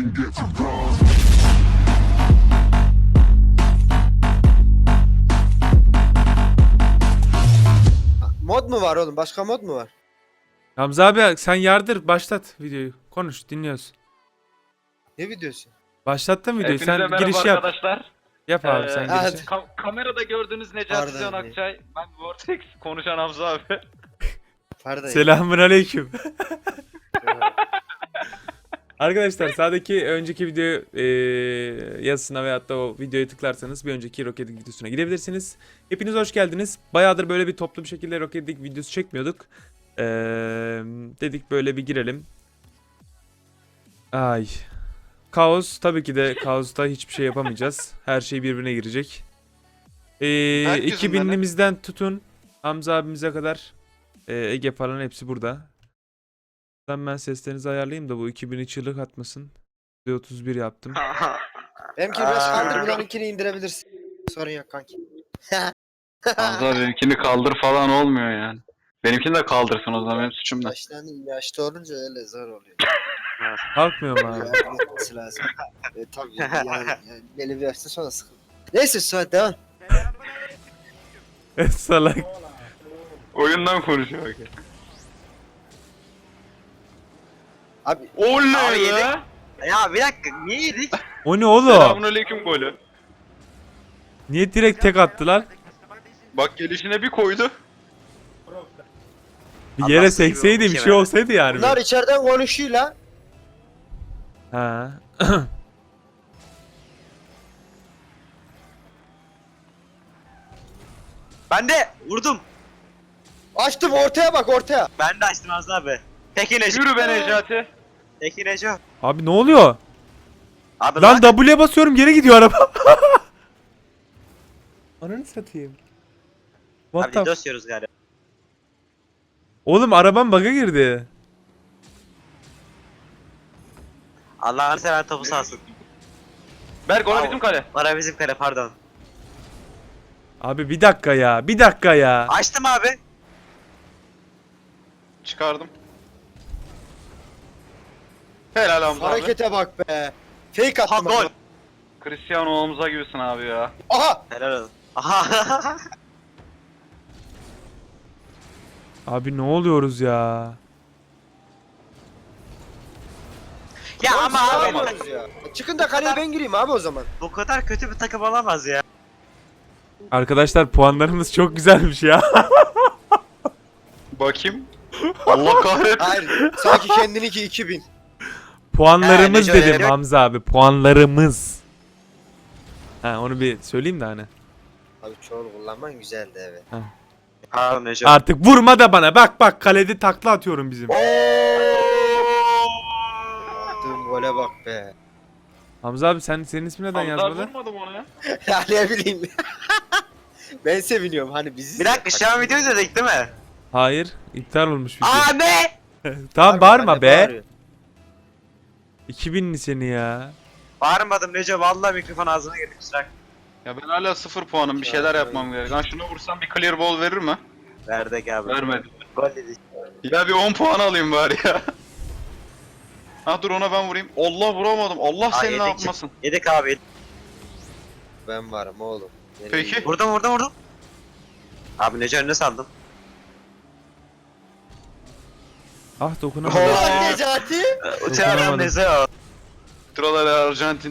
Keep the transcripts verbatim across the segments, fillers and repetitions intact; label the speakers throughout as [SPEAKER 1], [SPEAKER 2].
[SPEAKER 1] Mod mu var oğlum? Başka mod mu var?
[SPEAKER 2] Hamza abi sen yardır, başlat videoyu. Konuş, dinliyoruz.
[SPEAKER 1] Ne videosu?
[SPEAKER 2] Başlattın videoyu.
[SPEAKER 3] Hepinize
[SPEAKER 2] Sen
[SPEAKER 3] merhaba
[SPEAKER 2] giriş yap.
[SPEAKER 3] arkadaşlar.
[SPEAKER 2] Yap abi sen
[SPEAKER 3] Ee,
[SPEAKER 1] hadi.
[SPEAKER 2] girişi.
[SPEAKER 3] Ka- kamerada gördüğünüz Necati
[SPEAKER 1] Pardon.
[SPEAKER 3] Can Akçay. Ben Vortex, konuşan Hamza abi.
[SPEAKER 1] Pardon.
[SPEAKER 2] Selamun aleyküm. Arkadaşlar sağdaki önceki video e, yazısına veyahut da o videoya tıklarsanız bir önceki Rocket League videosuna gidebilirsiniz. Hepiniz hoş geldiniz. Bayağıdır böyle bir toplu bir şekilde Rocket League videosu çekmiyorduk. E, dedik böyle bir girelim. Ay. Kaos, tabii ki de Kaos'ta hiçbir şey yapamayacağız. Her şey birbirine girecek. E,
[SPEAKER 3] Herkesin
[SPEAKER 2] iki binlimizden tutun Hamza abimize kadar e, Ege falan hepsi burada. Ben seslerinizi ayarlayayım da bu iki bini çığlık atmasın. otuz bir yaptım.
[SPEAKER 1] Benimkini biraz kaldır. Bunlarınkini indirebilirsin. Sorun yok kanki.
[SPEAKER 3] Hamza benimkini kaldır falan olmuyor yani. Benimkini de kaldırsın o zaman, benim suçum da.
[SPEAKER 1] Yaşlandım. Yaşlı olunca öyle zor oluyor.
[SPEAKER 2] Kalkmıyor mu abi?
[SPEAKER 1] Yardım etmesi lazım. E, tabii yani, yani belli bir yaşta sonra sıkıldı. Neyse Suat devam.
[SPEAKER 2] Salak.
[SPEAKER 3] Oyundan konuşuyor bak.
[SPEAKER 1] Abi
[SPEAKER 3] Oley
[SPEAKER 4] Abi yedik.
[SPEAKER 3] be!
[SPEAKER 4] Ya bir dakika niye yedik?
[SPEAKER 2] O ne oğlum?
[SPEAKER 3] Selamünaleyküm golü.
[SPEAKER 2] Niye direkt tek attılar?
[SPEAKER 3] Bak gelişine bir koydu.
[SPEAKER 2] Bir
[SPEAKER 4] Allah
[SPEAKER 2] yere
[SPEAKER 4] seni
[SPEAKER 2] sekseydi bir
[SPEAKER 4] gibi
[SPEAKER 2] şey
[SPEAKER 4] olmuş
[SPEAKER 2] olsaydı yani.
[SPEAKER 1] bunlar içeriden konuşuyor la.
[SPEAKER 2] Ha.
[SPEAKER 4] Ben de vurdum.
[SPEAKER 1] Açtım ortaya bak ortaya.
[SPEAKER 4] Ben de açtım az abi. Peki Neco.
[SPEAKER 3] Yürü be Necati.
[SPEAKER 4] Peki Neco.
[SPEAKER 2] Abi ne oluyor?
[SPEAKER 4] Abi
[SPEAKER 2] Lan
[SPEAKER 4] lan.
[SPEAKER 2] W'ye basıyorum geri gidiyor araba. Ananı satayım. What
[SPEAKER 4] Abi
[SPEAKER 2] the f-
[SPEAKER 4] dosyoruz galiba.
[SPEAKER 2] Oğlum arabam bug'a girdi.
[SPEAKER 4] Allah'ını seven topu sağsın.
[SPEAKER 3] Berk ona
[SPEAKER 4] Al.
[SPEAKER 3] bizim kale.
[SPEAKER 4] Bana bizim kale pardon.
[SPEAKER 2] Abi bir dakika ya. Bir dakika ya.
[SPEAKER 4] Açtım abi.
[SPEAKER 3] Çıkardım. Helal Hamza abi.
[SPEAKER 1] Harekete bak be. Fake
[SPEAKER 4] Ha
[SPEAKER 1] attım.
[SPEAKER 4] gol.
[SPEAKER 1] bak.
[SPEAKER 3] Cristiano Omuz'a gibisin abi ya.
[SPEAKER 1] Aha.
[SPEAKER 4] Helal olsun. Aha.
[SPEAKER 2] Abi ne oluyoruz ya?
[SPEAKER 4] Ya
[SPEAKER 1] Oğlum,
[SPEAKER 4] ama
[SPEAKER 1] siz ne
[SPEAKER 4] abi
[SPEAKER 1] yapıyorsunuz ya? Çıkın da kaleye ben gireyim abi o zaman.
[SPEAKER 4] bu kadar kötü bir takım olamaz ya.
[SPEAKER 2] Arkadaşlar puanlarımız çok güzelmiş ya.
[SPEAKER 3] Bakayım. Allah kahretsin.
[SPEAKER 1] Hayır. Sanki kendininki iki bin.
[SPEAKER 2] Puanlarımız
[SPEAKER 4] He, Neco
[SPEAKER 2] dedim
[SPEAKER 4] ya.
[SPEAKER 2] Hamza abi. Puanlarımız. Ha onu bir söyleyeyim de hani.
[SPEAKER 1] Abi çoğunu kullanman güzeldi evet.
[SPEAKER 4] Pardon Neco.
[SPEAKER 2] Artık vurma da bana. Bak bak kalede takla atıyorum bizim.
[SPEAKER 1] Attığım gole bak be.
[SPEAKER 2] Hamza abi sen senin ismin neden
[SPEAKER 3] Hamza
[SPEAKER 2] yazmadı?
[SPEAKER 3] vurmadım ona ya.
[SPEAKER 1] Ya ne bileyim. Ben seviniyorum hani bizi.
[SPEAKER 4] Bir dakika şu an video izledik değil mi?
[SPEAKER 2] Hayır, iptal olmuş video.
[SPEAKER 4] Aa ne?
[SPEAKER 2] Tamam
[SPEAKER 1] Abi,
[SPEAKER 2] bağırma
[SPEAKER 1] hani
[SPEAKER 2] be.
[SPEAKER 1] bağırıyor.
[SPEAKER 2] iki binli seni ya.
[SPEAKER 4] Bağırmadım Neco vallahi mikrofon ağzına girdi kusura.
[SPEAKER 3] Ya ben hala sıfır puanım, bir şeyler yapmam gerek. Lan şuna vursam bir clear ball verir mi?
[SPEAKER 4] Verdik abi.
[SPEAKER 3] Vermedi.
[SPEAKER 4] Gol dedik.
[SPEAKER 3] Ya bir on puan alayım bari ya. Ha dur ona ben vurayım. Allah vuramadım. Allah
[SPEAKER 4] Aa,
[SPEAKER 3] seni ne
[SPEAKER 4] yedik.
[SPEAKER 3] yapmasın.
[SPEAKER 4] Yedik abi. yedik.
[SPEAKER 1] Ben varım oğlum. Nereye
[SPEAKER 3] Peki.
[SPEAKER 1] gidiyorsun?
[SPEAKER 4] Vurdum vurdum vurdum. Abi Neco önüne saldım.
[SPEAKER 2] Ah dokunamadım.
[SPEAKER 4] Oo.
[SPEAKER 1] Ulan Necati.
[SPEAKER 4] Uçan adam
[SPEAKER 2] Dokunamadım.
[SPEAKER 4] Neco.
[SPEAKER 3] Traları Arjantin.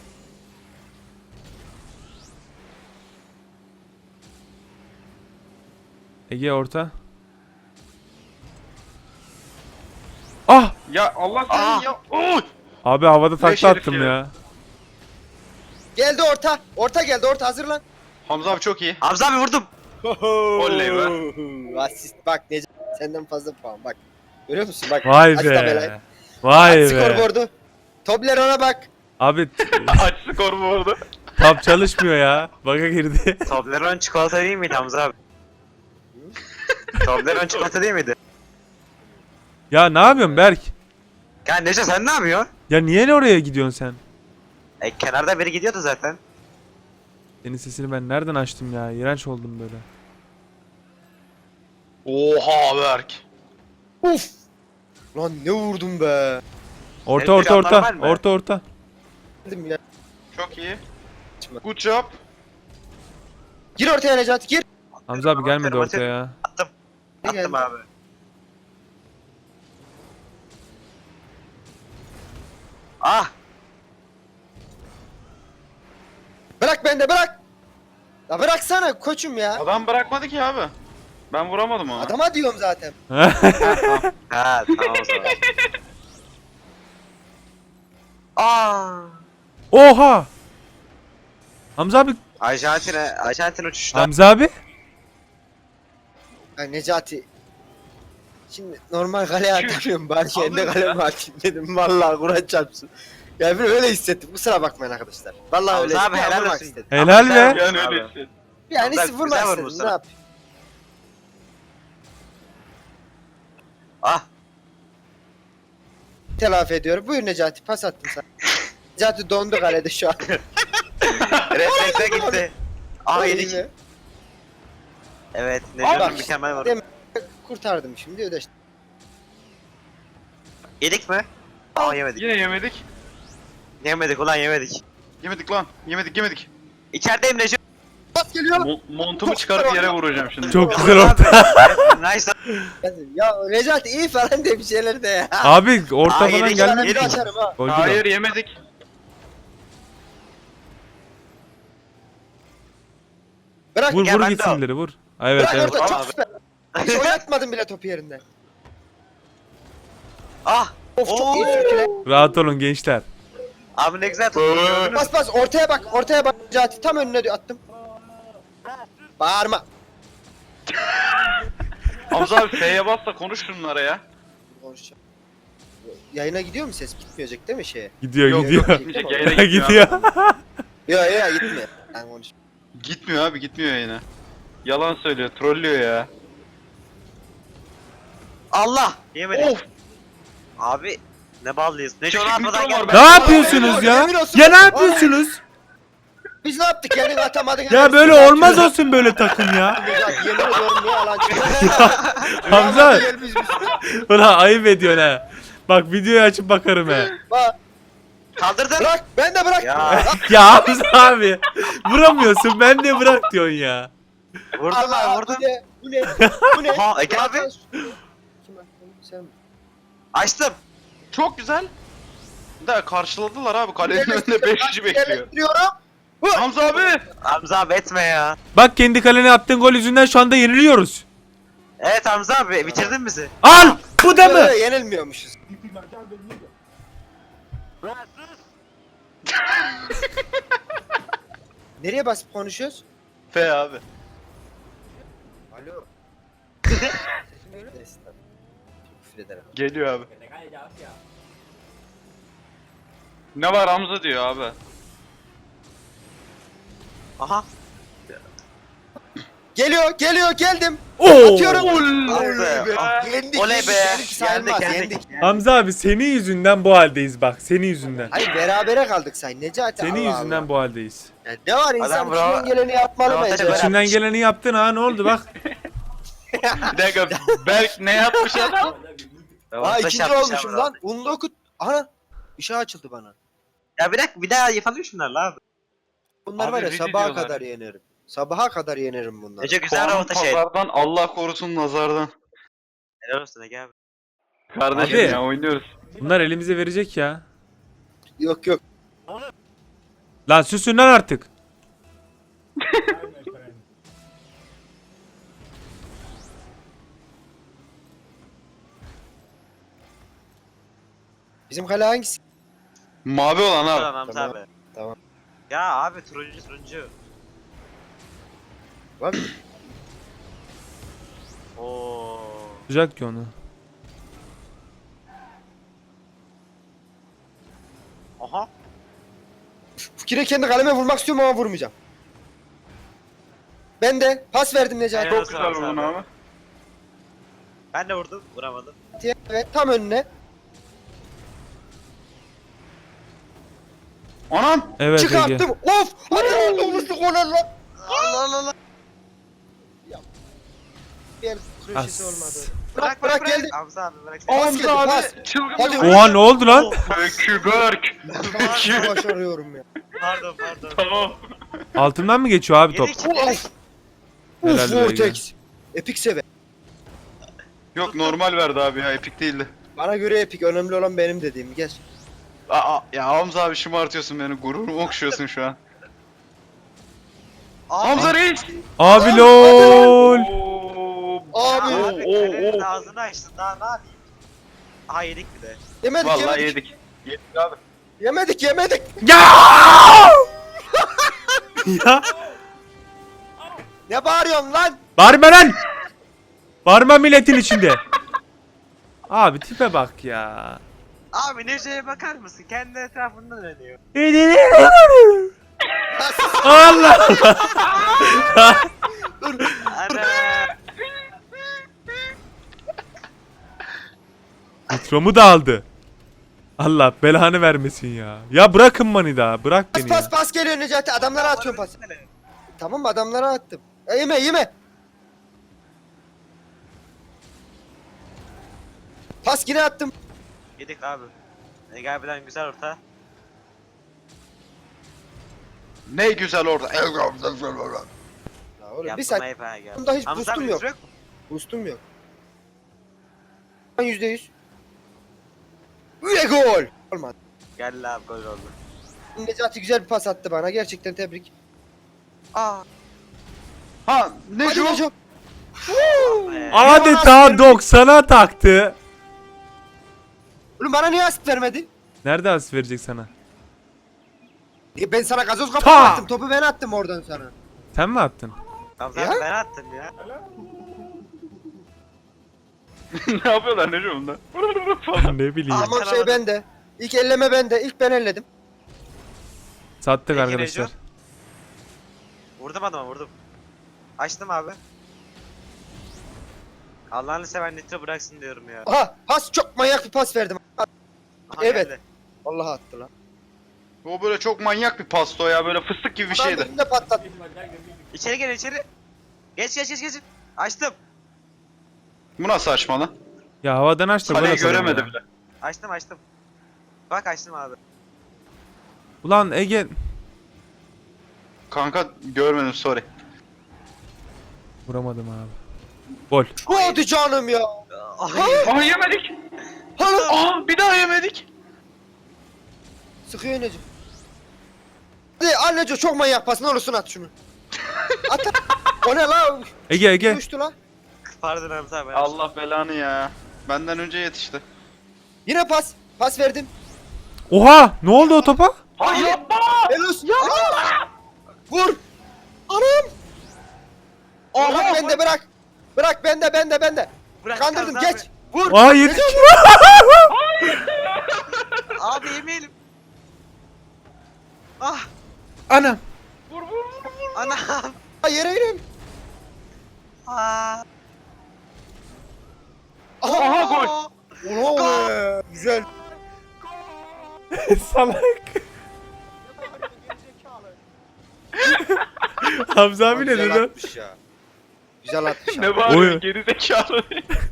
[SPEAKER 2] Ege orta. Ah!
[SPEAKER 3] Ya Allah seni
[SPEAKER 4] Aa.
[SPEAKER 3] ya. Oy!
[SPEAKER 2] Abi havada
[SPEAKER 3] Beş
[SPEAKER 2] takla
[SPEAKER 3] herif
[SPEAKER 2] attım
[SPEAKER 3] ya.
[SPEAKER 2] ya.
[SPEAKER 1] Geldi orta. Orta geldi orta hazırlan.
[SPEAKER 3] Hamza abi çok iyi.
[SPEAKER 4] Hamza abi vurdum.
[SPEAKER 3] Oley
[SPEAKER 1] be. Asist bak Necati senden fazla puan bak. Görüyor musun bak.
[SPEAKER 2] Vay
[SPEAKER 1] aç tabelayı.
[SPEAKER 2] be. Vay
[SPEAKER 1] Aç
[SPEAKER 2] be.
[SPEAKER 1] skorboardu. Tobler ona bak.
[SPEAKER 2] Abi
[SPEAKER 3] Aç skor bu arada.
[SPEAKER 2] tab çalışmıyor ya. Bug'a girdi.
[SPEAKER 4] Toblerone çikolata değil miydi Hamza abi? Toblerone çikolata değil miydi?
[SPEAKER 2] Ya ne yapıyorsun Berk?
[SPEAKER 4] Ya Neco sen ne yapıyorsun?
[SPEAKER 2] Ya niye oraya gidiyorsun sen?
[SPEAKER 4] E kenarda biri gidiyordu zaten.
[SPEAKER 2] Senin sesini ben nereden açtım ya? İğrenç oldum böyle.
[SPEAKER 3] Oha Berk.
[SPEAKER 1] Uf. Lan ne vurdum be.
[SPEAKER 2] Orta
[SPEAKER 4] Senin
[SPEAKER 2] orta orta.
[SPEAKER 4] planlar var mı?
[SPEAKER 2] Orta orta.
[SPEAKER 1] Dedim ya.
[SPEAKER 5] Çok iyi. Good job.
[SPEAKER 1] Gir ortaya Necati gir.
[SPEAKER 2] Hamza abi gelmedi
[SPEAKER 4] Aferin,
[SPEAKER 2] ortaya ya.
[SPEAKER 4] Attım.
[SPEAKER 1] Ne
[SPEAKER 4] Attım
[SPEAKER 1] geldi?
[SPEAKER 4] abi. Ah!
[SPEAKER 1] Bırak bende bırak. Ya bıraksana koçum ya.
[SPEAKER 5] Adam bırakmadı ki abi. Ben vuramadım onu.
[SPEAKER 1] Adama diyorum zaten.
[SPEAKER 4] Ha tamam o zaman. Aa!
[SPEAKER 2] Oha! Hamza abi.
[SPEAKER 4] Arjantin'e, Arjantin uçuşta.
[SPEAKER 2] Hamza abi.
[SPEAKER 1] Ya Necati. Şimdi normal kaleye atamıyorum bari kendi kaleme atayım dedim. Vallahi Kur'an çarpsın. Ya bir öyle hissettim. Kusura bakmayın arkadaşlar. Vallahi
[SPEAKER 4] Hamza
[SPEAKER 1] öyle
[SPEAKER 4] abi,
[SPEAKER 1] hissettim.
[SPEAKER 4] helal
[SPEAKER 1] Vurmak
[SPEAKER 4] olsun.
[SPEAKER 1] istedim.
[SPEAKER 2] Helal
[SPEAKER 4] Hamza
[SPEAKER 2] be.
[SPEAKER 4] abi.
[SPEAKER 5] Yani
[SPEAKER 4] Abi.
[SPEAKER 5] öyle hissettim.
[SPEAKER 1] Yani
[SPEAKER 4] Hamza,
[SPEAKER 1] vurmak
[SPEAKER 4] güzel
[SPEAKER 1] istedim.
[SPEAKER 4] vurmuşsun.
[SPEAKER 1] Ne yapayım?
[SPEAKER 4] Ah!
[SPEAKER 1] Telafi ediyorum. Buyur Necati pas attım sana. Necati dondu kalede şu an.
[SPEAKER 4] Reflekse gitti. Ah
[SPEAKER 1] İyi
[SPEAKER 4] yedik.
[SPEAKER 1] mi?
[SPEAKER 4] Evet,
[SPEAKER 1] Bak,
[SPEAKER 4] Necati mükemmel vurdu.
[SPEAKER 1] demin kurtardım şimdi ödeştim.
[SPEAKER 4] Yedik mi? Aa yemedik.
[SPEAKER 5] Yine yemedik.
[SPEAKER 4] Yemedik ulan yemedik.
[SPEAKER 5] Yemedik lan. Yemedik yemedik.
[SPEAKER 4] İçerideyim Necati.
[SPEAKER 1] Pas geliyor.
[SPEAKER 5] Mo- montumu çıkarıp yere vuracağım şimdi.
[SPEAKER 2] Çok güzel orta.
[SPEAKER 4] Nice.
[SPEAKER 1] Ya Necati iyi falan de bir şeyler de ya.
[SPEAKER 2] Abi orta
[SPEAKER 4] Aa,
[SPEAKER 2] falan
[SPEAKER 4] yedik,
[SPEAKER 1] Ben
[SPEAKER 2] gelmedi.
[SPEAKER 1] bir
[SPEAKER 4] yedik.
[SPEAKER 1] atarım ha.
[SPEAKER 2] Golcü de.
[SPEAKER 5] Hayır yemedik.
[SPEAKER 1] Bırak
[SPEAKER 2] Vur
[SPEAKER 4] Gel,
[SPEAKER 2] vur
[SPEAKER 4] ben de
[SPEAKER 2] gitsin
[SPEAKER 4] al.
[SPEAKER 2] ileri vur. Ay, evet
[SPEAKER 1] bırak
[SPEAKER 2] evet.
[SPEAKER 1] orada çok
[SPEAKER 4] Abi.
[SPEAKER 1] süper. Hiç oynatmadım bile topu yerinden.
[SPEAKER 4] Ah!
[SPEAKER 1] Of çok
[SPEAKER 4] Oo.
[SPEAKER 1] iyi sürküle.
[SPEAKER 2] Rahat olun gençler.
[SPEAKER 4] Abi ne güzel tuttu. gördünüz mü?
[SPEAKER 1] Bas bas ortaya bak ortaya bak Necati tam önüne diyor attım. Bağırma.
[SPEAKER 5] Hamza abi F'ye bas da konuş şunlara ya.
[SPEAKER 1] Konuşacağım. Yayına gidiyor mu ses? Gitmeyecek değil mi şeye?
[SPEAKER 2] Gidiyor
[SPEAKER 5] Yok,
[SPEAKER 2] gidiyor.
[SPEAKER 5] yok, gitmeyecek, yayına gitmiyor.
[SPEAKER 2] gidiyor.
[SPEAKER 1] Yok yok gitme. Ben konuş.
[SPEAKER 5] Gitmiyor abi gitmiyor yine. Yalan söylüyor, trollüyor ya.
[SPEAKER 4] Allah! Yemedik.
[SPEAKER 5] Of!
[SPEAKER 4] Abi ne ballıyız. Ne
[SPEAKER 5] Küçük
[SPEAKER 4] onu atmadan
[SPEAKER 5] mikro var,
[SPEAKER 4] gel.
[SPEAKER 5] ben-
[SPEAKER 2] Ne yapıyorsunuz ya?
[SPEAKER 1] Yemin olsun.
[SPEAKER 2] Ya ne yapıyorsunuz?
[SPEAKER 1] Biz ne yaptık yani atamadık.
[SPEAKER 2] Ya böyle olmaz olsun böyle takım ya.
[SPEAKER 1] Necati yemin ediyorum niye alan çıkıyor?
[SPEAKER 2] Hamza.
[SPEAKER 1] Gel biz biz.
[SPEAKER 2] Ulan ayıp ediyorsun ha. Bak videoyu açıp bakarım he.
[SPEAKER 1] Bak
[SPEAKER 4] Kaldırdın.
[SPEAKER 1] bırak ben de bırak.
[SPEAKER 4] Ya
[SPEAKER 2] Ya Hamza abi. Vuramıyorsun ben de bırak diyorsun ya.
[SPEAKER 4] vurdum
[SPEAKER 1] Allah,
[SPEAKER 4] abi vurdum.
[SPEAKER 1] Bu ne? Bu ne? Bu ne?
[SPEAKER 4] Aha, Ege abi.
[SPEAKER 1] Kim attı? Sen mi?
[SPEAKER 4] Açtım.
[SPEAKER 5] Çok güzel. Da karşıladılar abi. Kalenin önünde beş kişi bekliyor.
[SPEAKER 1] Yerleştiriyorum.
[SPEAKER 5] Hamza abi!
[SPEAKER 4] Hamza abi etme ya.
[SPEAKER 2] Bak kendi kalene attığın gol yüzünden şu anda yeniliyoruz.
[SPEAKER 4] Evet Hamza abi bitirdin bizi.
[SPEAKER 2] Al! Bu da mı?
[SPEAKER 1] Böyle yenilmiyormuşuz. Nereye basıp konuşuyoruz?
[SPEAKER 5] F abi.
[SPEAKER 1] Alo. Neyse, tamam. Küfür ederim.
[SPEAKER 5] Geliyor abi. Ne var Hamza diyor abi.
[SPEAKER 4] Aha.
[SPEAKER 1] Geliyor, geliyor, geldim.
[SPEAKER 2] Oo!
[SPEAKER 1] Atıyorum.
[SPEAKER 4] Oley be.
[SPEAKER 1] Yendik,
[SPEAKER 4] Oley
[SPEAKER 1] yendik,
[SPEAKER 4] be.
[SPEAKER 1] yendik, sayılmaz,
[SPEAKER 4] Yendik,
[SPEAKER 1] yendik.
[SPEAKER 4] yendik.
[SPEAKER 2] Hamza abi senin yüzünden bu haldeyiz bak. Senin yüzünden.
[SPEAKER 1] Hayır berabere kaldık say Necati.
[SPEAKER 2] Senin
[SPEAKER 1] Allah
[SPEAKER 2] yüzünden
[SPEAKER 1] Allah.
[SPEAKER 2] bu haldeyiz.
[SPEAKER 1] Ya ne var insan
[SPEAKER 4] Adam bravo.
[SPEAKER 1] içinden geleni yapmalı
[SPEAKER 4] Bravo,
[SPEAKER 1] bence.
[SPEAKER 4] teşekkür ederim.
[SPEAKER 2] İçinden geleni yaptın ha ne oldu bak.
[SPEAKER 5] Bir dakika Berk ne yapmış adam?
[SPEAKER 1] Aa
[SPEAKER 4] Orta
[SPEAKER 1] ikinci
[SPEAKER 4] şapmış
[SPEAKER 1] olmuşum
[SPEAKER 4] abi.
[SPEAKER 1] lan. Unlu okut. Ana. Işığı açıldı bana.
[SPEAKER 4] Ya bir dakika bir daha yapalım şunlarla abi.
[SPEAKER 1] Bunlar
[SPEAKER 5] Abi
[SPEAKER 1] var ya
[SPEAKER 5] rica
[SPEAKER 1] sabaha
[SPEAKER 5] ediyorlar.
[SPEAKER 1] kadar yenerim. Sabaha kadar yenerim bunları.
[SPEAKER 4] Ece güzel
[SPEAKER 5] Puanım
[SPEAKER 4] orta şey.
[SPEAKER 5] pazardan Allah korusun nazardan.
[SPEAKER 4] Helal olsun Ege abi.
[SPEAKER 5] Kardeşim
[SPEAKER 2] Abi.
[SPEAKER 5] ya oynuyoruz.
[SPEAKER 2] Bunlar elimize verecek ya.
[SPEAKER 1] Yok yok.
[SPEAKER 2] Lan susun lan artık.
[SPEAKER 1] Bizim kale hangisi?
[SPEAKER 5] Mavi olan abi.
[SPEAKER 4] Tamam Hamza
[SPEAKER 1] Tamam,
[SPEAKER 4] abi.
[SPEAKER 1] tamam.
[SPEAKER 4] Ya abi turuncu turuncu.
[SPEAKER 1] Var mı?
[SPEAKER 4] Oo.
[SPEAKER 2] Tutacak ki onu.
[SPEAKER 4] Aha.
[SPEAKER 1] Fikire kendi kaleme vurmak istiyorum ama vurmayacağım. Ben de pas verdim Necati.
[SPEAKER 4] Helal
[SPEAKER 5] Çok
[SPEAKER 4] olsun
[SPEAKER 5] güzel
[SPEAKER 4] Hamza
[SPEAKER 5] vurdun
[SPEAKER 4] abi.
[SPEAKER 5] abi.
[SPEAKER 4] Ben de vurdum vuramadım.
[SPEAKER 1] Evet tam önüne.
[SPEAKER 5] Anam!
[SPEAKER 2] Evet Ege.
[SPEAKER 1] Çıkarttım. Of! Hadi olmuştuk ona lan.
[SPEAKER 4] Allah Allah Allah.
[SPEAKER 1] Bir köşesi olmadı.
[SPEAKER 2] As.
[SPEAKER 1] Bırak bırak geldi.
[SPEAKER 4] Hamza abi bırak.
[SPEAKER 1] Pas
[SPEAKER 3] Hamza
[SPEAKER 1] geldi,
[SPEAKER 3] abi
[SPEAKER 1] pas.
[SPEAKER 3] çılgın
[SPEAKER 1] Hadi.
[SPEAKER 3] bir
[SPEAKER 2] Oha ne oldu lan?
[SPEAKER 3] Öküberk.
[SPEAKER 1] Nasıl başarıyorum ya.
[SPEAKER 4] Pardon pardon.
[SPEAKER 3] Tamam.
[SPEAKER 2] Altından mı geçiyor abi top?
[SPEAKER 4] Yedik yedik.
[SPEAKER 1] Of.
[SPEAKER 2] Helal
[SPEAKER 1] Uf
[SPEAKER 2] be
[SPEAKER 1] Vortex. Epic sever.
[SPEAKER 3] Yok normal verdi abi ya epik değildi.
[SPEAKER 1] Bana göre epic, önemli olan benim dediğim. Gel.
[SPEAKER 3] Aa, ya Hamza abi şımartıyorsun beni, gururumu okşuyorsun şu an. Hamza reis!
[SPEAKER 2] Abi lol.
[SPEAKER 3] Oo,
[SPEAKER 1] Abi.
[SPEAKER 3] Oo,
[SPEAKER 4] Abi
[SPEAKER 3] oo,
[SPEAKER 4] kalenin
[SPEAKER 3] oo.
[SPEAKER 4] ağzını açtın daha ne yapayım? Aha yedik bir de.
[SPEAKER 1] Yemedik
[SPEAKER 3] Vallahi
[SPEAKER 1] yemedik.
[SPEAKER 3] yedik. Yedik abi.
[SPEAKER 1] Yemedik yemedik.
[SPEAKER 2] Ya! ya!
[SPEAKER 1] Ne bağırıyorsun lan?
[SPEAKER 2] Bağırma lan! Bağırma milletin içinde. Abi tipe bak ya.
[SPEAKER 4] Abi Neco'ya bakar mısın? Kendi etrafından dönüyor.
[SPEAKER 2] Allah!
[SPEAKER 4] Ana.
[SPEAKER 2] Nitromu da aldı. Allah belanı vermesin ya. Ya bırakın beni daha. Bırak
[SPEAKER 1] Pas
[SPEAKER 2] beni
[SPEAKER 1] pas
[SPEAKER 2] ya.
[SPEAKER 1] pas geliyor Necati, adamlara atıyorum pas. Tamam mı, adamlara attım. E, yeme yeme. Pas yine attım.
[SPEAKER 4] Yedik abi. Ege abiden güzel orta.
[SPEAKER 3] Ne güzel orada.
[SPEAKER 1] Ya oğlum bir
[SPEAKER 4] Yaptım
[SPEAKER 1] saat
[SPEAKER 4] ayıp ha Ege abi.
[SPEAKER 1] bunda hiç
[SPEAKER 4] Hamza
[SPEAKER 1] boostum
[SPEAKER 4] abi
[SPEAKER 1] yok.
[SPEAKER 4] yok.
[SPEAKER 1] boostum yok. yüzde yüz. Ve gol. Olmadı.
[SPEAKER 4] Gel abi gol oldu.
[SPEAKER 1] Necati güzel bir pas attı bana, gerçekten tebrik.
[SPEAKER 4] Aa.
[SPEAKER 3] Ha ne
[SPEAKER 1] Hadi
[SPEAKER 3] şu?
[SPEAKER 1] Neco.
[SPEAKER 4] Be.
[SPEAKER 2] Adeta doksana taktı.
[SPEAKER 1] Oğlum bana niye asist vermedi?
[SPEAKER 2] Nerede as verecek sana?
[SPEAKER 1] E, ben sana gazoz kapağı
[SPEAKER 2] Ta!
[SPEAKER 1] attım, topu ben attım oradan sana.
[SPEAKER 2] Sen mi attın?
[SPEAKER 4] Hamza
[SPEAKER 1] Ya?
[SPEAKER 4] abi ben attım ya.
[SPEAKER 3] Ne yapıyorlar ne şu bunda?
[SPEAKER 2] ne bileyim.
[SPEAKER 1] Ama şey
[SPEAKER 4] Karamadım.
[SPEAKER 1] bende. İlk elleme bende, ilk ben elledim.
[SPEAKER 2] Sattık
[SPEAKER 4] Peki,
[SPEAKER 2] arkadaşlar.
[SPEAKER 4] Neco? Vurdum adama vurdum. Açtım abi. Allah'ını seven Nitro bıraksın diyorum ya.
[SPEAKER 1] Aha, pas, çok manyak bir pas verdim.
[SPEAKER 4] Aha,
[SPEAKER 1] Evet.
[SPEAKER 4] geldi.
[SPEAKER 1] Vallahi attı lan.
[SPEAKER 3] O böyle çok manyak bir pasto ya, böyle fıstık gibi bir
[SPEAKER 1] Adam
[SPEAKER 3] şeydi.
[SPEAKER 1] elimde patlattı.
[SPEAKER 4] İçeri gel içeri. Geç geç geç geç. Açtım.
[SPEAKER 3] Bu nasıl açma lan?
[SPEAKER 2] Ya havadan aç da gol
[SPEAKER 3] Kaleyi
[SPEAKER 2] atalım
[SPEAKER 3] göremedi
[SPEAKER 2] ya.
[SPEAKER 3] bile.
[SPEAKER 4] Açtım açtım. Bak açtım abi.
[SPEAKER 2] Ulan Ege.
[SPEAKER 3] Kanka görmedim, sorry.
[SPEAKER 2] Vuramadım abi. Gol.
[SPEAKER 1] Hadi canım ya.
[SPEAKER 3] Aa yemedik.
[SPEAKER 1] Hala
[SPEAKER 3] Aa bir daha yemedik.
[SPEAKER 1] sıkıyor Neco. Hadi al Neco, çok manyak pas, ne olursun at şunu. At at. O ne la?
[SPEAKER 2] Ege Ege.
[SPEAKER 1] Uçtu la.
[SPEAKER 4] Pardon Hamza abi.
[SPEAKER 3] Allah belanı ya. Benden önce yetişti.
[SPEAKER 1] Yine pas. Pas verdim.
[SPEAKER 2] Oha! Ne oldu o topa?
[SPEAKER 3] Ay yapma.
[SPEAKER 1] Elos. Aa! Vur. Anam. Bırak bende, bırak. Bırak bende bende bende.
[SPEAKER 4] Bırak
[SPEAKER 1] Kandırdım,
[SPEAKER 4] Hamza
[SPEAKER 1] geç. Vur.
[SPEAKER 2] Aa yedik.
[SPEAKER 4] Abi. Abi yemeyelim. Ah
[SPEAKER 2] Anam.
[SPEAKER 4] anam.
[SPEAKER 1] Ha, yere inim.
[SPEAKER 4] Aa.
[SPEAKER 1] Aha,
[SPEAKER 3] Aha gol.
[SPEAKER 1] Ulan be. Güzel.
[SPEAKER 2] Salak. Hamza abi ne
[SPEAKER 1] Güzel
[SPEAKER 2] dedi?
[SPEAKER 1] atmış ya. Güzel atmış.
[SPEAKER 3] Ne
[SPEAKER 1] abi.
[SPEAKER 3] var
[SPEAKER 2] Oy.
[SPEAKER 3] ya, geri zekalı.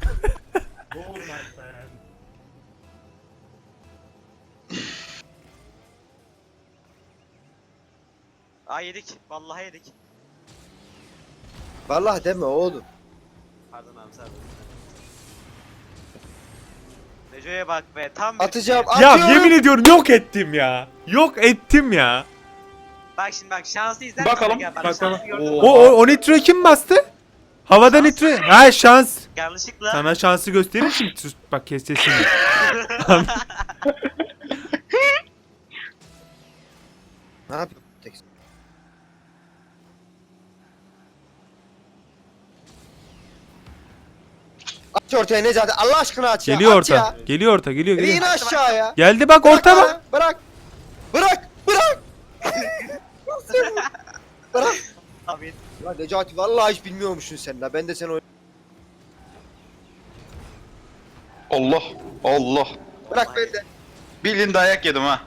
[SPEAKER 4] Aa yedik. Vallahi yedik.
[SPEAKER 1] Vallahi deme oğlum.
[SPEAKER 4] Pardon Hamza abi. Neco'ya bak be tam bir-
[SPEAKER 1] Atacağım.
[SPEAKER 2] Ya
[SPEAKER 1] Atıyorum.
[SPEAKER 2] yemin ediyorum yok ettim ya. Yok ettim ya.
[SPEAKER 4] Bak şimdi bak şanslı izler
[SPEAKER 3] Bakalım,
[SPEAKER 4] misin? Gel, bak,
[SPEAKER 3] bakalım.
[SPEAKER 4] şanslı gördün mü?
[SPEAKER 3] Oo.
[SPEAKER 2] O, o, o nitroyu kim bastı? Havada nitro. Ha şans.
[SPEAKER 4] Yanlışlıkla.
[SPEAKER 2] Sana şansı göstereyim şimdi. Sus, bak kes sesini.
[SPEAKER 1] Ne yapıyor? Tek- Aç ortaya Necati, Allah aşkına aç ya.
[SPEAKER 2] Geliyor
[SPEAKER 1] aç
[SPEAKER 2] orta.
[SPEAKER 1] ya.
[SPEAKER 2] Geliyor orta. Geliyor
[SPEAKER 1] Bir in
[SPEAKER 2] geliyor.
[SPEAKER 1] aşağıya.
[SPEAKER 2] Geldi bak
[SPEAKER 1] Bırak
[SPEAKER 2] orta
[SPEAKER 1] bana,
[SPEAKER 2] bak.
[SPEAKER 1] Bırak. Bırak. Bırak. Bırak.
[SPEAKER 4] Abi
[SPEAKER 1] Ya Necati, vallahi hiç bilmiyormuşsun sen la. Ben de seni oyn-
[SPEAKER 3] Allah Allah.
[SPEAKER 1] Bırak bende.
[SPEAKER 3] Bildiğin dayak yedim ha.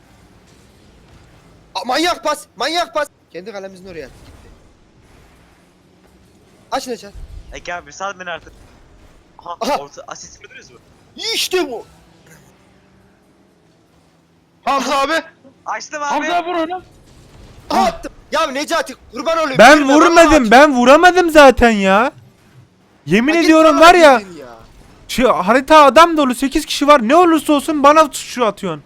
[SPEAKER 1] Aa, manyak pas. Manyak pas. Kendi kalemizin oraya attı, gitti. Aç Necati.
[SPEAKER 4] Ege abi sal beni artık. Aha,
[SPEAKER 1] Aha.
[SPEAKER 4] orta asist gördünüz mü?
[SPEAKER 1] İşte bu.
[SPEAKER 5] Hamza abi.
[SPEAKER 4] Açtım abi.
[SPEAKER 5] Hamza abi vur onu.
[SPEAKER 1] Aha, attım. Ya Necati kurban olayım.
[SPEAKER 2] Ben
[SPEAKER 1] Girme,
[SPEAKER 2] vurmadım.
[SPEAKER 1] vallahi
[SPEAKER 2] Ben vuramadım zaten ya. Yemin
[SPEAKER 1] Ya git
[SPEAKER 2] ediyorum
[SPEAKER 1] bana
[SPEAKER 2] var ya.
[SPEAKER 1] girdin ya.
[SPEAKER 2] Şey, harita adam dolu sekiz kişi var. Ne olursa olsun bana şu atıyorsun.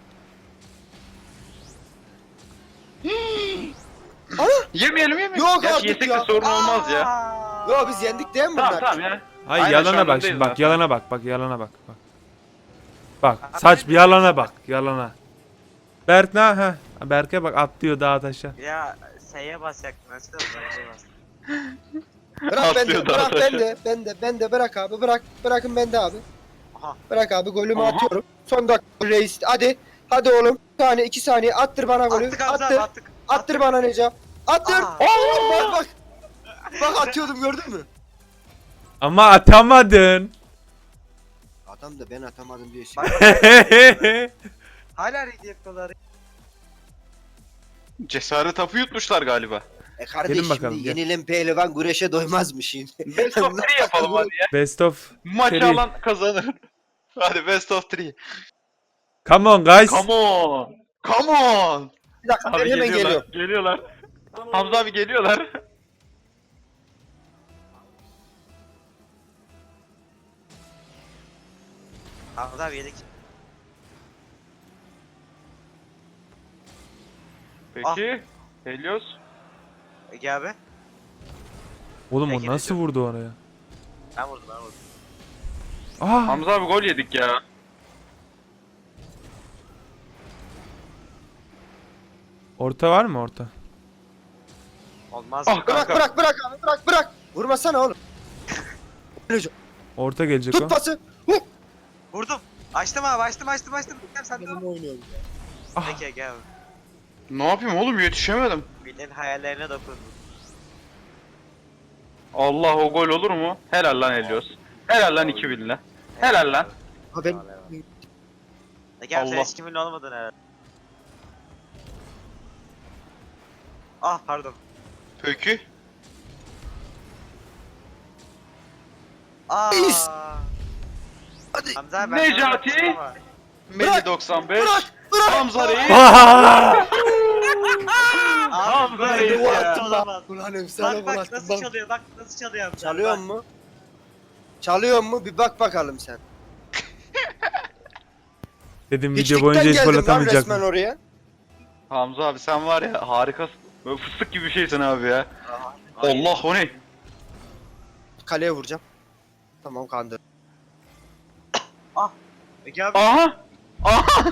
[SPEAKER 5] Yemeyelim yemeyelim.
[SPEAKER 1] Yok
[SPEAKER 5] Gerçi
[SPEAKER 1] artık
[SPEAKER 5] yesek
[SPEAKER 1] ya.
[SPEAKER 5] de sorun olmaz ya.
[SPEAKER 4] Aa.
[SPEAKER 1] Yo biz yendik değil mi bunlar?
[SPEAKER 5] Tamam tamam ya.
[SPEAKER 2] Hayır
[SPEAKER 5] Aynen, şu
[SPEAKER 2] yalana
[SPEAKER 5] an
[SPEAKER 2] bak
[SPEAKER 5] öndeyiz
[SPEAKER 2] şimdi bak
[SPEAKER 5] zaten.
[SPEAKER 2] yalana bak bak yalana bak bak. Bak
[SPEAKER 4] Abi
[SPEAKER 2] saç
[SPEAKER 4] ben-
[SPEAKER 2] bir yalana bak yalana. Berk ne ha? Berk'e bak atlıyor dağa taşa.
[SPEAKER 4] Ya S'ye basacaktım. Nasıl bas?
[SPEAKER 1] Bırak
[SPEAKER 5] Atlıyor
[SPEAKER 1] bende,
[SPEAKER 5] daha
[SPEAKER 1] bırak
[SPEAKER 5] taşa.
[SPEAKER 1] bende, bende, bende bırak abi, bırak, bırakın bende abi.
[SPEAKER 4] Aha.
[SPEAKER 1] Bırak abi golümü
[SPEAKER 5] Aha.
[SPEAKER 1] atıyorum. Son dakika reis, hadi, hadi oğlum. Bir saniye, iki saniye, attır bana golü,
[SPEAKER 4] Attık Hamza
[SPEAKER 1] attır,
[SPEAKER 4] abi attık.
[SPEAKER 1] attır bana Neca, attır.
[SPEAKER 4] Aa.
[SPEAKER 1] Oo, bak bak, bak atıyordum gördün mü?
[SPEAKER 2] Ama atamadın.
[SPEAKER 1] Adam da ben atamadım diye şey.
[SPEAKER 4] Bak, bak, hala ready yapıyorlar.
[SPEAKER 5] Cesaret hapı yutmuşlar galiba.
[SPEAKER 1] E kardeş
[SPEAKER 2] Gelin bakalım,
[SPEAKER 1] şimdi
[SPEAKER 2] gel.
[SPEAKER 1] yenilen pehlivan güreşe doymazmış şimdi.
[SPEAKER 5] Best of three yapalım hadi ya.
[SPEAKER 2] Best of.
[SPEAKER 5] Maçı
[SPEAKER 2] Three.
[SPEAKER 5] alan kazanır. Hadi best of three.
[SPEAKER 2] Come on guys.
[SPEAKER 5] Come on. Come on.
[SPEAKER 1] Bir dakika
[SPEAKER 5] Abi
[SPEAKER 1] ben hemen
[SPEAKER 5] geliyorlar.
[SPEAKER 1] geliyorum.
[SPEAKER 5] Geliyorlar. Hamza abi geliyorlar.
[SPEAKER 4] Hamza abi yedik.
[SPEAKER 5] Peki. Helios.
[SPEAKER 4] Ege abi.
[SPEAKER 2] Oğlum o
[SPEAKER 4] Peki,
[SPEAKER 2] nasıl
[SPEAKER 4] Recep.
[SPEAKER 2] vurdu oraya?
[SPEAKER 4] Ben vurdum ben vurdum.
[SPEAKER 2] Aa.
[SPEAKER 5] Hamza abi gol yedik ya.
[SPEAKER 2] Orta var mı orta?
[SPEAKER 4] Olmaz.
[SPEAKER 5] Ah
[SPEAKER 1] Bırak
[SPEAKER 5] kanka.
[SPEAKER 1] bırak bırak abi bırak bırak. Vurmasana oğlum. Neca,
[SPEAKER 2] Orta gelecek o.
[SPEAKER 1] tut pası. Huh.
[SPEAKER 4] Vurdum. Açtım abi açtım açtım açtım. Gel sen de.
[SPEAKER 1] Ben oynuyorum ya.
[SPEAKER 2] Ah.
[SPEAKER 4] Peki Ege abi.
[SPEAKER 5] Ne yapayım oğlum yetişemedim.
[SPEAKER 4] Bilin hayallerine dokundum.
[SPEAKER 5] Allah o gol olur mu? Helal lan Helios. Helal lan iki binle. Helal lan.
[SPEAKER 1] Ha ben
[SPEAKER 4] Ege abi sen
[SPEAKER 5] Allah.
[SPEAKER 4] hiç kimin olmadın herhalde. Ah pardon.
[SPEAKER 5] Peki.
[SPEAKER 4] Aa.
[SPEAKER 1] Reis. Hadi.
[SPEAKER 4] Hamza abi ben
[SPEAKER 5] Necati.
[SPEAKER 4] sana bakmıştım ama.
[SPEAKER 5] Melih doksan beş.
[SPEAKER 1] Bırak bırak.
[SPEAKER 5] Hamza Reis.
[SPEAKER 2] Aa!
[SPEAKER 4] Abi
[SPEAKER 5] Hamza
[SPEAKER 4] böyle
[SPEAKER 5] Reis
[SPEAKER 4] bir
[SPEAKER 5] ya.
[SPEAKER 4] yaptı olamaz.
[SPEAKER 1] Ulan efsane
[SPEAKER 4] Bak bak
[SPEAKER 1] bıraktım
[SPEAKER 4] nasıl
[SPEAKER 1] bak.
[SPEAKER 4] çalıyor bak nasıl çalıyor Hamza.
[SPEAKER 1] Çalıyor
[SPEAKER 4] Bak.
[SPEAKER 1] mu? Çalıyor mu? Bir bak bakalım sen.
[SPEAKER 2] Dedim video
[SPEAKER 1] Hiçlikten
[SPEAKER 2] boyunca hiç gol
[SPEAKER 1] geldim lan
[SPEAKER 2] atamayacak
[SPEAKER 1] resmen
[SPEAKER 2] mı?
[SPEAKER 1] oraya.
[SPEAKER 5] Hamza abi sen var ya harikasın. Böyle fıstık gibi bir şeysin abi ya. Allah o ne?
[SPEAKER 1] Kaleye vuracağım. Tamam kandır.
[SPEAKER 4] Ege abi.
[SPEAKER 5] Aha. Aha.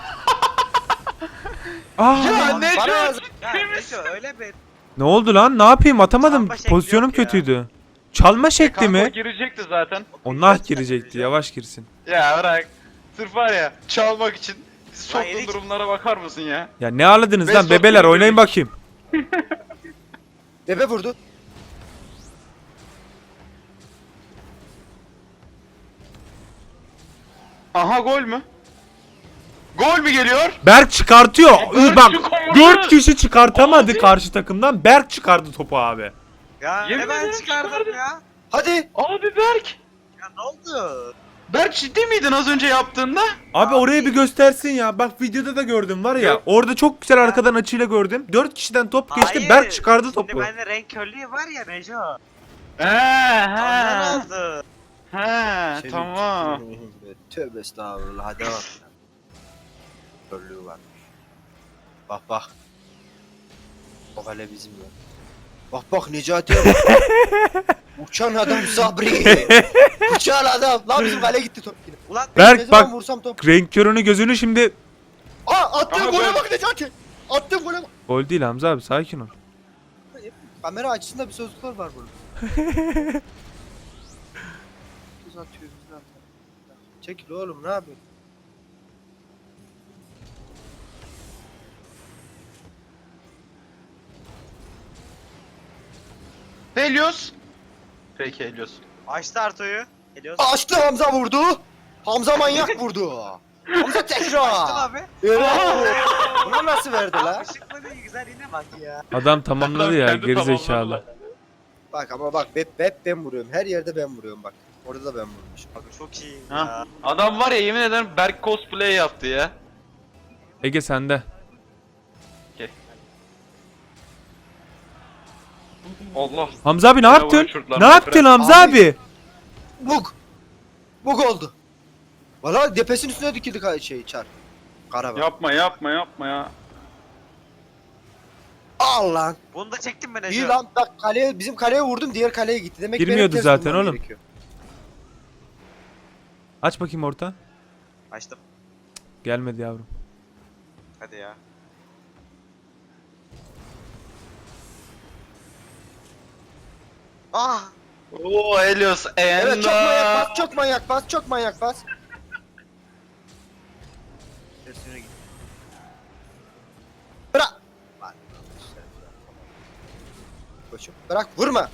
[SPEAKER 2] Aa!
[SPEAKER 5] Ya ne
[SPEAKER 1] Bana
[SPEAKER 5] diyorsun?
[SPEAKER 1] yazık.
[SPEAKER 4] Ya neyse öyle bir.
[SPEAKER 2] Ne oldu lan? Ne yapayım? Atamadım.
[SPEAKER 4] Çalma şekli
[SPEAKER 2] Pozisyonum
[SPEAKER 4] yok ya.
[SPEAKER 2] kötüydü. Çalma şekli
[SPEAKER 5] Kanka
[SPEAKER 2] mi?
[SPEAKER 5] o girecekti zaten.
[SPEAKER 2] O nah girecekti. Yavaş girsin.
[SPEAKER 5] Ya bırak. Sırf var ya çalmak için bizi
[SPEAKER 4] Lan
[SPEAKER 5] soktuğun
[SPEAKER 4] yedik.
[SPEAKER 5] durumlara bakar mısın ya?
[SPEAKER 2] Ya ne ağladınız
[SPEAKER 5] Best
[SPEAKER 2] lan
[SPEAKER 5] of
[SPEAKER 2] bebeler
[SPEAKER 5] three
[SPEAKER 2] oynayın
[SPEAKER 5] dedik.
[SPEAKER 2] bakayım.
[SPEAKER 1] Bebe vurdu.
[SPEAKER 5] Aha gol mü? Gol mü geliyor?
[SPEAKER 2] Berk çıkartıyor.
[SPEAKER 5] Berk
[SPEAKER 2] Bak
[SPEAKER 5] çıkardı.
[SPEAKER 2] dört kişi çıkartamadı karşı takımdan. Berk çıkardı topu abi.
[SPEAKER 4] Ya
[SPEAKER 5] Yemin
[SPEAKER 4] hemen
[SPEAKER 5] ederim
[SPEAKER 4] çıkardım
[SPEAKER 5] çıkardı.
[SPEAKER 4] ya.
[SPEAKER 1] Hadi.
[SPEAKER 5] Abi Berk.
[SPEAKER 4] Ya ne oldu?
[SPEAKER 5] Berk ciddi miydin az önce yaptığında?
[SPEAKER 2] Abi oraya bir göstersin ya. Bak videoda da gördüm var ya.
[SPEAKER 5] Yok.
[SPEAKER 2] Orada çok güzel arkadan açıyla gördüm. dört kişiden top geçti.
[SPEAKER 4] Hayır,
[SPEAKER 2] Berk çıkardı
[SPEAKER 4] Şimdi
[SPEAKER 2] topu.
[SPEAKER 4] bende renk körlüğü var ya Neco.
[SPEAKER 5] He
[SPEAKER 4] Ondan oldu.
[SPEAKER 5] He
[SPEAKER 1] Senin
[SPEAKER 5] tamam.
[SPEAKER 1] tükürüğün be. Tövbe estağfurullah hadi bak. Körlüğü varmış. Bak bak. O kale bizim ya. Bak bak Necati'ye bak. Uçan adam Sabri. Uçan adam. Lan bizim kale gitti top yine.
[SPEAKER 4] Ulan
[SPEAKER 2] Berk
[SPEAKER 1] Ne zaman
[SPEAKER 2] bak
[SPEAKER 1] vursam top.
[SPEAKER 2] renk körünü gözünü şimdi.
[SPEAKER 1] Aa attığım
[SPEAKER 5] Aha,
[SPEAKER 1] gole
[SPEAKER 5] gol.
[SPEAKER 1] bak Necati. Attığım gole bak.
[SPEAKER 2] Gol değil Hamza abi sakin ol.
[SPEAKER 1] Kamera açısında bir sözlükler var bunun. Biz atıyoruz zaten. Çekil oğlum ne yapıyorsun?
[SPEAKER 5] Helios. Peki Helios.
[SPEAKER 4] açtı Arto'yu. Geliyoruz.
[SPEAKER 1] Açtı Hamza vurdu. Hamza manyak vurdu. Hamza
[SPEAKER 4] Açtım
[SPEAKER 1] tekrar.
[SPEAKER 4] abi.
[SPEAKER 1] Evet. Bunu nasıl verdi la?
[SPEAKER 4] Işıkla da güzel yine bak ya.
[SPEAKER 2] Adam tamamladı ya
[SPEAKER 5] Kendi
[SPEAKER 2] gerizekalı.
[SPEAKER 5] tamamladılar.
[SPEAKER 1] Bak ama bak hep, hep ben vuruyorum. Her yerde ben vuruyorum bak. Orada da ben vurmuşum.
[SPEAKER 4] Abi çok iyi
[SPEAKER 5] Ha.
[SPEAKER 4] ya.
[SPEAKER 5] Adam var ya yemin ederim Berk cosplay yaptı ya.
[SPEAKER 2] Ege sende.
[SPEAKER 5] Allah.
[SPEAKER 2] Hamza abi ne
[SPEAKER 5] Bravo,
[SPEAKER 2] yaptın?
[SPEAKER 5] uçurdular
[SPEAKER 2] Ne
[SPEAKER 5] beni.
[SPEAKER 2] yaptın Hamza
[SPEAKER 1] Abi.
[SPEAKER 2] abi?
[SPEAKER 1] Bug. Bug oldu. Valla depesin üstüne dikildi ka- şey çar. Karavan.
[SPEAKER 5] Yapma yapma yapma ya.
[SPEAKER 1] Al lan.
[SPEAKER 4] Bunu da çektim ben Ece.
[SPEAKER 1] İyi lan bak kaleye bizim kaleye vurdum diğer kaleye gitti. Demek ki benim
[SPEAKER 2] Girmiyordu
[SPEAKER 1] ters
[SPEAKER 2] zaten
[SPEAKER 1] vurmam
[SPEAKER 2] oğlum.
[SPEAKER 1] gerekiyor.
[SPEAKER 2] Aç bakayım orta.
[SPEAKER 4] Açtım.
[SPEAKER 2] Gelmedi yavrum.
[SPEAKER 4] Hadi ya. Ah!
[SPEAKER 5] Oo Helios
[SPEAKER 1] Evet çok manyak
[SPEAKER 5] Enda.
[SPEAKER 1] bas çok manyak bas çok manyak bas. Tersine git. Bırak. Lan, Koçum bırak vurma.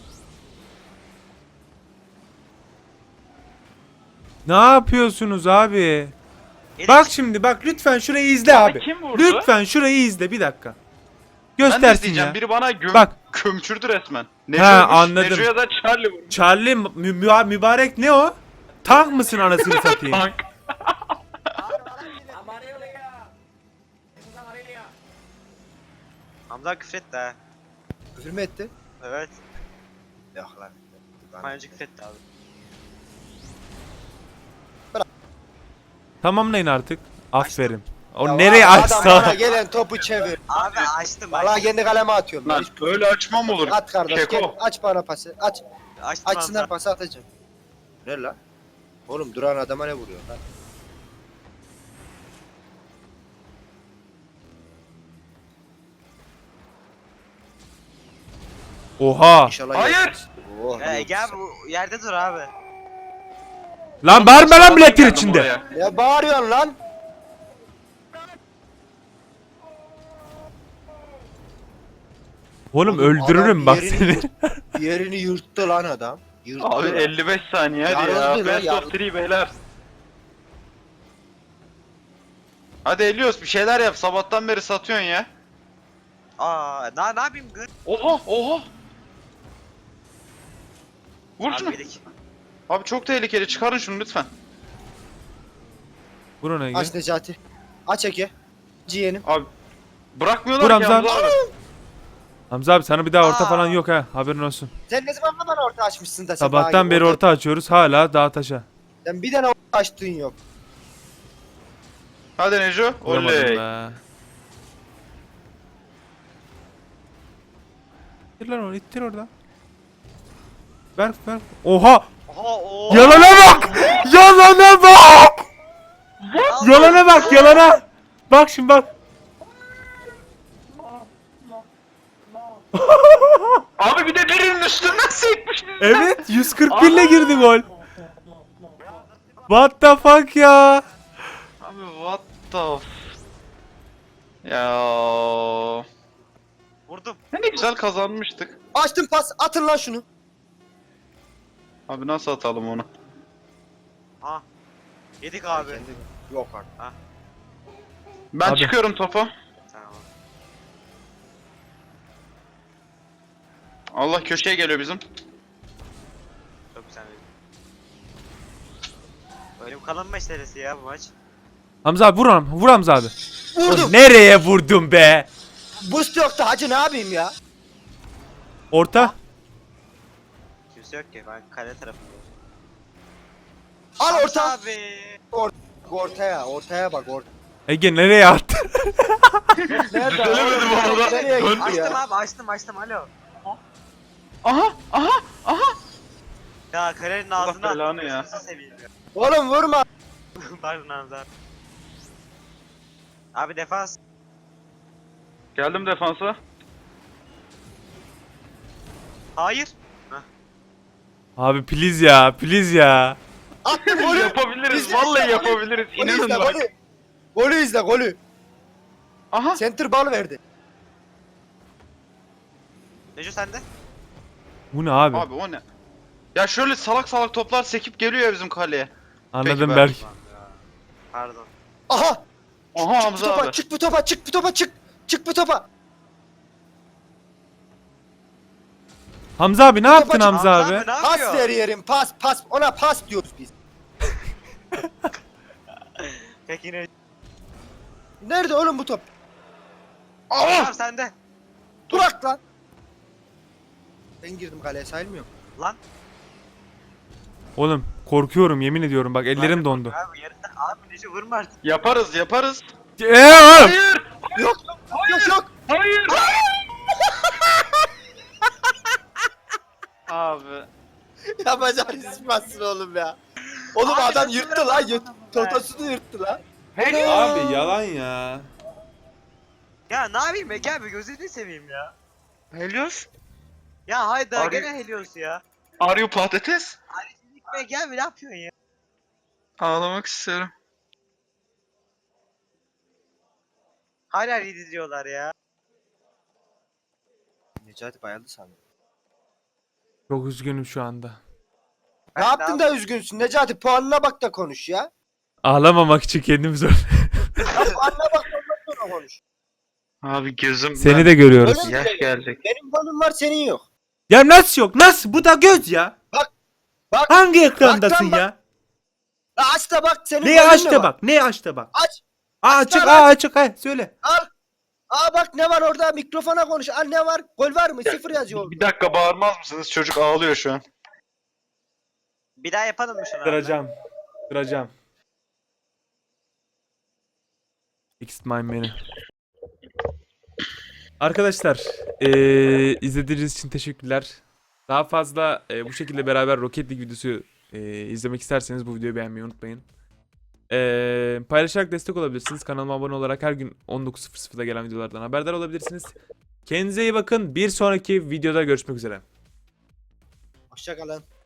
[SPEAKER 2] Ne yapıyorsunuz abi?
[SPEAKER 4] Erik,
[SPEAKER 2] Bak şimdi bak lütfen şurayı izle
[SPEAKER 5] Bana
[SPEAKER 2] abi.
[SPEAKER 5] kim vurdu?
[SPEAKER 2] Lütfen şurayı izle bir dakika.
[SPEAKER 5] Ben de
[SPEAKER 2] Göstersin
[SPEAKER 5] izleyeceğim.
[SPEAKER 2] ya.
[SPEAKER 5] Biri bana göm
[SPEAKER 2] Bak.
[SPEAKER 5] kömçürdü resmen.
[SPEAKER 2] Ha, anladım.
[SPEAKER 5] Neco'ya da Charlie vurmuş.
[SPEAKER 2] Charlie mü- mü- mübarek ne o? Tank mısın anasını satayım?
[SPEAKER 5] Tank.
[SPEAKER 4] Hamza küfretti ha.
[SPEAKER 1] Küfür mü etti?
[SPEAKER 4] Evet.
[SPEAKER 1] Yok lan.
[SPEAKER 4] Bana önce küfretti abi.
[SPEAKER 2] Tamamlayın artık. Aferin. O
[SPEAKER 1] Ya
[SPEAKER 2] nereye
[SPEAKER 1] adam
[SPEAKER 2] açsa.
[SPEAKER 1] bana gelen topu çevir.
[SPEAKER 4] Abi açtım
[SPEAKER 1] Valla
[SPEAKER 4] açtım.
[SPEAKER 1] kendi kaleme atıyorum.
[SPEAKER 5] Lan
[SPEAKER 1] Hiç-
[SPEAKER 5] öyle açmam olur.
[SPEAKER 1] At kardeş gel
[SPEAKER 5] Keko.
[SPEAKER 1] aç bana pası aç.
[SPEAKER 4] Açtım
[SPEAKER 1] Açsınlar
[SPEAKER 4] Hamza.
[SPEAKER 1] pası atacağım. Ne lan? Oğlum duran adama ne vuruyor lan?
[SPEAKER 2] Oha.
[SPEAKER 1] İnşallah
[SPEAKER 5] Hayır!
[SPEAKER 1] yersin. Oh,
[SPEAKER 4] Ee,
[SPEAKER 1] yok.
[SPEAKER 4] gel bu yerde dur abi.
[SPEAKER 2] Lan bağırma lan milletin
[SPEAKER 5] Geldim
[SPEAKER 2] içinde.
[SPEAKER 5] buraya.
[SPEAKER 1] Ne bağırıyorsun lan?
[SPEAKER 2] Oğlum
[SPEAKER 1] Oğlum,
[SPEAKER 2] öldürürüm
[SPEAKER 1] adam
[SPEAKER 2] bak
[SPEAKER 1] yerini
[SPEAKER 2] seni.
[SPEAKER 1] yurt- Yerini yırttı lan adam. Yırttı
[SPEAKER 5] Abi
[SPEAKER 1] lan.
[SPEAKER 5] elli beş saniye hadi ya.
[SPEAKER 1] Yarıldı lan,
[SPEAKER 5] Best
[SPEAKER 1] yarıldı.
[SPEAKER 5] of three beyler. Hadi Helios bir şeyler yap. Sabahtan beri satıyorsun ya.
[SPEAKER 4] Aa, ne ne yapayım gır?
[SPEAKER 5] Oha oha. Vur şunu.
[SPEAKER 4] Abi yedik.
[SPEAKER 5] Abi çok tehlikeli. Çıkarın şunu lütfen.
[SPEAKER 2] Vurun Ege.
[SPEAKER 1] Aç Necati. Aç Ege. Ciğenim.
[SPEAKER 5] Abi bırakmıyorlar
[SPEAKER 2] Vur
[SPEAKER 5] ki
[SPEAKER 2] Hamza.
[SPEAKER 5] Hamza abi.
[SPEAKER 2] Hamza abi sana bir daha orta
[SPEAKER 1] Aa.
[SPEAKER 2] falan yok ha. Haberin olsun.
[SPEAKER 1] Sen ne zaman bana orta açmışsın da sen bana
[SPEAKER 2] Sabahtan
[SPEAKER 1] gibi
[SPEAKER 2] beri orta açıyoruz. Hala dağ taşa.
[SPEAKER 1] Sen bir tane orta açtığın yok.
[SPEAKER 5] Hadi Neco.
[SPEAKER 2] Vuramadım
[SPEAKER 5] Oley.
[SPEAKER 2] be. İttir lan onu ittir oradan. Ver ver. Oha!
[SPEAKER 4] Oha o.
[SPEAKER 2] Yalana bak! Yalana bak! Yalana bak yalana! Bak şimdi bak.
[SPEAKER 5] Abi bir de birinin üstünden sekmiş.
[SPEAKER 2] Evet yüz kırk bir ile girdi gol. What the fuck ya?
[SPEAKER 5] Abi what the f... Ya
[SPEAKER 4] Vurdum.
[SPEAKER 5] ne güzel kazanmıştık.
[SPEAKER 1] Açtım pas atın lan şunu.
[SPEAKER 5] Abi nasıl atalım onu?
[SPEAKER 4] Ha. Yedik abi.
[SPEAKER 1] Yok artık.
[SPEAKER 5] Ben
[SPEAKER 2] Abi.
[SPEAKER 5] çıkıyorum topa.
[SPEAKER 4] Tamam.
[SPEAKER 5] Allah köşeye geliyor bizim.
[SPEAKER 4] Çok güzel. Böyle bir kalan meselesi ya bu maç.
[SPEAKER 2] Hamza abi vur Ham- vur Hamza abi.
[SPEAKER 1] Vurdum.
[SPEAKER 2] O nereye vurdun be?
[SPEAKER 1] Boost yoktu hacı ne yapayım ya?
[SPEAKER 2] Orta.
[SPEAKER 4] Kimse yok ki ben kale tarafındayım.
[SPEAKER 1] Al orta.
[SPEAKER 4] Abi.
[SPEAKER 1] Ortaya ortaya bak orta.
[SPEAKER 2] Ege nereye attı?
[SPEAKER 1] Nerede?
[SPEAKER 5] Düzelemedim
[SPEAKER 1] Orta
[SPEAKER 5] orada.
[SPEAKER 1] Nereye
[SPEAKER 5] Dön-
[SPEAKER 1] gitti
[SPEAKER 4] Açtım
[SPEAKER 1] ya?
[SPEAKER 4] abi açtım açtım alo.
[SPEAKER 5] Aha aha aha.
[SPEAKER 4] Ya kalenin
[SPEAKER 5] Allah
[SPEAKER 4] ağzına
[SPEAKER 5] belanı
[SPEAKER 4] attım.
[SPEAKER 5] ya.
[SPEAKER 4] Gözünüzü seveyim ya.
[SPEAKER 1] Oğlum vurma.
[SPEAKER 4] Pardon Hamza. Abi defans.
[SPEAKER 5] Geldim defansa.
[SPEAKER 4] Hayır.
[SPEAKER 2] Abi please ya please ya.
[SPEAKER 1] Attım golü.
[SPEAKER 5] Yapabiliriz.
[SPEAKER 1] İzle,
[SPEAKER 5] Vallahi
[SPEAKER 1] izle,
[SPEAKER 5] yapabiliriz.
[SPEAKER 1] Golü
[SPEAKER 5] İnanın
[SPEAKER 1] izle
[SPEAKER 5] bak.
[SPEAKER 1] golü. Golü izle golü.
[SPEAKER 5] Aha.
[SPEAKER 1] Center bal verdi.
[SPEAKER 4] Neco sende?
[SPEAKER 2] Bu ne abi?
[SPEAKER 5] Abi o ne? Ya şöyle salak salak toplar sekip geliyor ya bizim kaleye.
[SPEAKER 2] Anladım
[SPEAKER 5] Peki,
[SPEAKER 2] Berk.
[SPEAKER 4] Pardon.
[SPEAKER 1] Aha.
[SPEAKER 5] Aha
[SPEAKER 1] Bu
[SPEAKER 5] Hamza
[SPEAKER 1] topa
[SPEAKER 5] abi.
[SPEAKER 1] çık bu topa çık bu topa çık. Çık bu topa.
[SPEAKER 2] Hamza abi ne yaptın
[SPEAKER 1] Babacım,
[SPEAKER 2] Hamza abi?
[SPEAKER 4] ne
[SPEAKER 1] Pas
[SPEAKER 4] yapıyor?
[SPEAKER 1] ver yerim pas pas ona pas diyoruz biz.
[SPEAKER 4] Peki ne?
[SPEAKER 1] Nerede oğlum bu top?
[SPEAKER 4] Tamam sende.
[SPEAKER 1] Durak lan. Ben girdim kaleye sayılmıyor mu?
[SPEAKER 4] Lan.
[SPEAKER 2] Oğlum korkuyorum yemin ediyorum bak ellerim
[SPEAKER 4] Abi,
[SPEAKER 2] dondu.
[SPEAKER 4] Abi yarıdan abi Neşe vurma artık.
[SPEAKER 5] Yaparız yaparız.
[SPEAKER 2] Eee oğlum!
[SPEAKER 5] Hayır.
[SPEAKER 1] Yok yok yok.
[SPEAKER 5] Hayır. Abi.
[SPEAKER 1] Yapacağın ispatsın oğlum ya. Oğlum
[SPEAKER 4] Abi,
[SPEAKER 1] adam
[SPEAKER 4] nasıl
[SPEAKER 1] yırttı lan.
[SPEAKER 4] bırakmadın
[SPEAKER 1] Yırt,
[SPEAKER 4] onu be?
[SPEAKER 1] totosunu yırttı lan.
[SPEAKER 2] Abi yalan ya.
[SPEAKER 4] Ya ne yapayım Ege abi gözünü seveyim ya. Helios? Ya hayda
[SPEAKER 5] Abi-
[SPEAKER 4] gene Helios ya.
[SPEAKER 5] Are you patates?
[SPEAKER 4] Ege abi ne yapıyorsun ya?
[SPEAKER 5] Ağlamak istiyorum.
[SPEAKER 4] Hala yedi diyorlar ya.
[SPEAKER 1] Necati bayıldı sandım.
[SPEAKER 2] Çok üzgünüm şu anda.
[SPEAKER 1] Ne
[SPEAKER 4] Ben de
[SPEAKER 1] yaptın da üzgünsün Necati? Puanına bak da konuş ya.
[SPEAKER 2] Ağlamamak için kendimi zor.
[SPEAKER 1] Ya puanına bak da ondan sonra konuş.
[SPEAKER 5] Abi gözüm.
[SPEAKER 2] Seni de görüyoruz.
[SPEAKER 1] Öyle-
[SPEAKER 5] Yaş gelecek.
[SPEAKER 1] Benim puanım var senin yok.
[SPEAKER 2] Ya nasıl yok? Nasıl? Bu da göz ya.
[SPEAKER 1] Bak, bak.
[SPEAKER 2] Hangi ekrandasın
[SPEAKER 1] bak.
[SPEAKER 2] ya?
[SPEAKER 1] La aç da bak senin
[SPEAKER 2] Neyi
[SPEAKER 1] golün
[SPEAKER 2] aç
[SPEAKER 1] ne
[SPEAKER 2] da
[SPEAKER 1] var?
[SPEAKER 2] bak. Neyi aç da bak.
[SPEAKER 1] Aç.
[SPEAKER 2] Aa
[SPEAKER 1] Aç
[SPEAKER 2] açık,
[SPEAKER 1] da
[SPEAKER 2] aa
[SPEAKER 1] bak.
[SPEAKER 2] açık. Ha söyle.
[SPEAKER 1] Al. Aa bak ne var orada mikrofona konuş. Al ne var? Gol var mı? Sıfır yazıyor.
[SPEAKER 5] Bir dakika bağırmaz mısınız? Çocuk ağlıyor şu an.
[SPEAKER 4] Bir daha yapalım mı şunu? abi?
[SPEAKER 2] Kıracağım. Kıracağım. Fixed my menü. Arkadaşlar, eee izlediğiniz için teşekkürler. Daha fazla eee, bu şekilde beraber Rocket League videosu eee, izlemek isterseniz bu videoyu beğenmeyi unutmayın. Eee, paylaşarak destek olabilirsiniz. Kanalıma abone olarak her gün on dokuz sıfır sıfırda gelen videolardan haberdar olabilirsiniz. Kendinize iyi bakın. Bir sonraki videoda görüşmek üzere.
[SPEAKER 1] Hoşça kalın.